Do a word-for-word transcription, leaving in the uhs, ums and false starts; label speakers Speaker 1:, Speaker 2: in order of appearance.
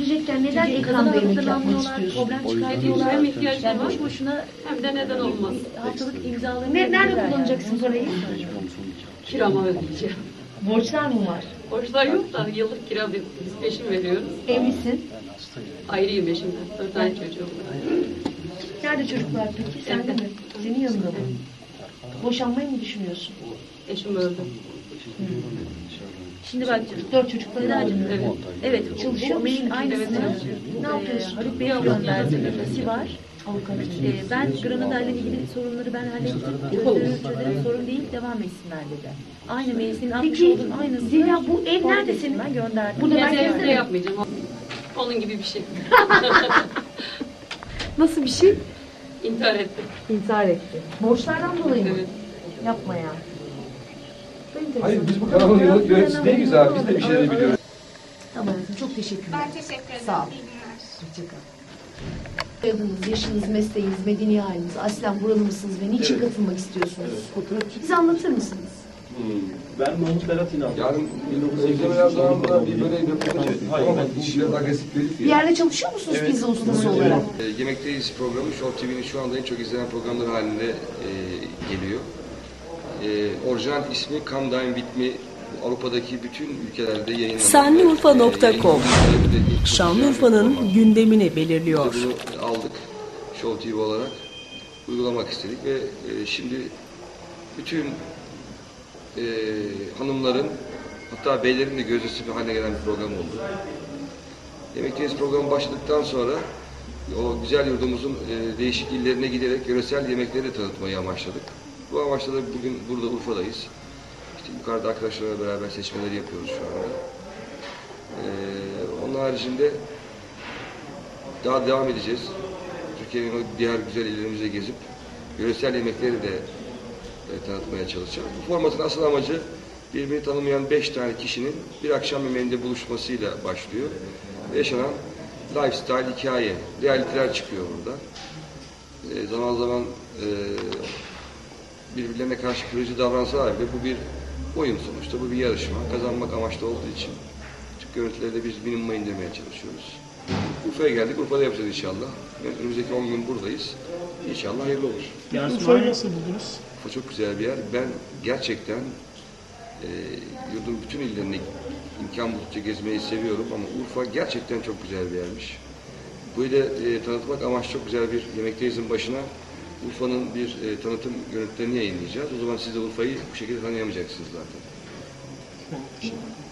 Speaker 1: yetiştirecekken neden ekranda yemek yapmak istiyorsun?
Speaker 2: Problem çıkartıyorlar.
Speaker 3: Hem ihtiyacım
Speaker 2: Yani
Speaker 3: var,
Speaker 2: boş boşuna
Speaker 3: hem de neden olmaz.
Speaker 2: haftalık imzalarını
Speaker 1: Ne, nerede
Speaker 2: verirler
Speaker 1: kullanacaksın
Speaker 2: yani.
Speaker 1: parayı?
Speaker 3: Kiramı ödeyeceğim.
Speaker 1: Borçlar mı var?
Speaker 3: Borçlar yok da yıllık kira biz peşin veriyoruz.
Speaker 1: Evlisin.
Speaker 3: Ayrıyım eşimden. Dört tane çocuğum var.
Speaker 1: Nerede çocuklar peki? Sende mi? Senin yanında mı? Boşanmayı mı düşünüyorsun?
Speaker 3: Eşim öldü.
Speaker 2: Şimdi bak
Speaker 1: Dört çocukları var.
Speaker 3: Evet.
Speaker 2: evet çalışıyor mailin aynısını
Speaker 1: Ne yapıyorsun?
Speaker 2: Haluk Bey'e gönderdim. Nesi var? Avukat. Ee, ben Granada ile ilgili sorunları ben hallettim. Çözerim, çözerim, sorun değil, devam etsinler dedi. Aynı mail senin atmış
Speaker 1: Peki,
Speaker 2: olduğun aynısını.
Speaker 1: Zeliha, bu ev
Speaker 2: forward
Speaker 1: nerede
Speaker 2: ettim,
Speaker 1: senin?
Speaker 2: Ben gönderdim.
Speaker 1: Burada
Speaker 3: Gezerinde
Speaker 1: merkezde mi?
Speaker 3: yapmayacağım. Onun gibi bir şey.
Speaker 1: Nasıl bir şey?
Speaker 3: İntihar etti.
Speaker 1: İntihar etti. Borçlardan dolayı mı?
Speaker 3: Evet.
Speaker 1: Yapma ya.
Speaker 4: Hayır biz bu kanalın yönet- yöneticisi değiliz abi. Biz de bir şeyleri biliyoruz.
Speaker 1: Tamam, çok teşekkürler.
Speaker 5: Ben teşekkür ederim.
Speaker 1: Sağ ol.
Speaker 5: İyi günler.
Speaker 1: Hoşçakal. Soyadınız, yaşınız, mesleğiniz, medeni haliniz, aslen buralı mısınız ve niçin
Speaker 6: Evet.
Speaker 1: katılmak istiyorsunuz?
Speaker 6: Fotoğrafçı.
Speaker 1: Bize anlatır mısınız?
Speaker 6: Ben Mahmut Berat İnal.
Speaker 4: Yarın özlemeler zamanında bir böyle röportaj ettik.
Speaker 6: Hayır,
Speaker 4: Ama
Speaker 6: ben-
Speaker 4: iş biraz agresif dedik
Speaker 1: Bir
Speaker 4: ya.
Speaker 1: yerde çalışıyor musunuz
Speaker 6: Evet.
Speaker 1: pizza ustası
Speaker 6: Evet.
Speaker 1: olarak?
Speaker 4: E, Yemekteyiz programı Show T V'nin şu anda en çok izlenen programları halinde e, geliyor. E, orijinal ismi Come Dine With Me. Avrupa'daki bütün ülkelerde yayınlanıyor.
Speaker 7: Sanliurfa nokta com
Speaker 4: E,
Speaker 7: Şanlıurfa'nın gündemini belirliyor.
Speaker 4: Biz de bunu aldık Show T V olarak uygulamak istedik ve e, şimdi bütün e, hanımların hatta beylerin de gözdesi bir haline gelen bir program oldu. Yemekteyiz programı başladıktan sonra o güzel yurdumuzun e, değişik illerine giderek yöresel yemekleri de tanıtmayı amaçladık. Bu amaçla da bugün burada Urfa'dayız. İşte yukarıda arkadaşlarla beraber seçmeleri yapıyoruz şu anda. E, onun haricinde daha devam edeceğiz. Türkiye'nin o diğer güzel illerimize gezip yöresel yemekleri de e, tanıtmaya çalışacağız. Bu formatın asıl amacı birbirini tanımayan beş tane kişinin bir akşam yemeğinde buluşmasıyla başlıyor. Ve yaşanan lifestyle, hikaye, realiteler çıkıyor burada. E, zaman zaman e, birbirlerine karşı kırıcı davransalar bile bu bir oyun sonuçta, bu bir yarışma. Kazanmak amaçlı olduğu için küçük görüntüleri de biz minimuma indirmeye çalışıyoruz. Urfa'ya geldik, Urfa'da yapacağız inşallah. Önümüzdeki on gün buradayız. İnşallah hayırlı olur.
Speaker 6: Urfa'yı nasıl buldunuz?
Speaker 4: Urfa çok güzel bir yer. Ben gerçekten e, yurdun bütün illerini imkan buldukça gezmeyi seviyorum ama Urfa gerçekten çok güzel bir yermiş. Bu ile e, tanıtmak amaç çok güzel bir Yemekteyiz'in başına Urfa'nın bir e, tanıtım görüntülerini yayınlayacağız. O zaman siz de Urfa'yı bu şekilde tanıyamayacaksınız zaten.
Speaker 6: Evet.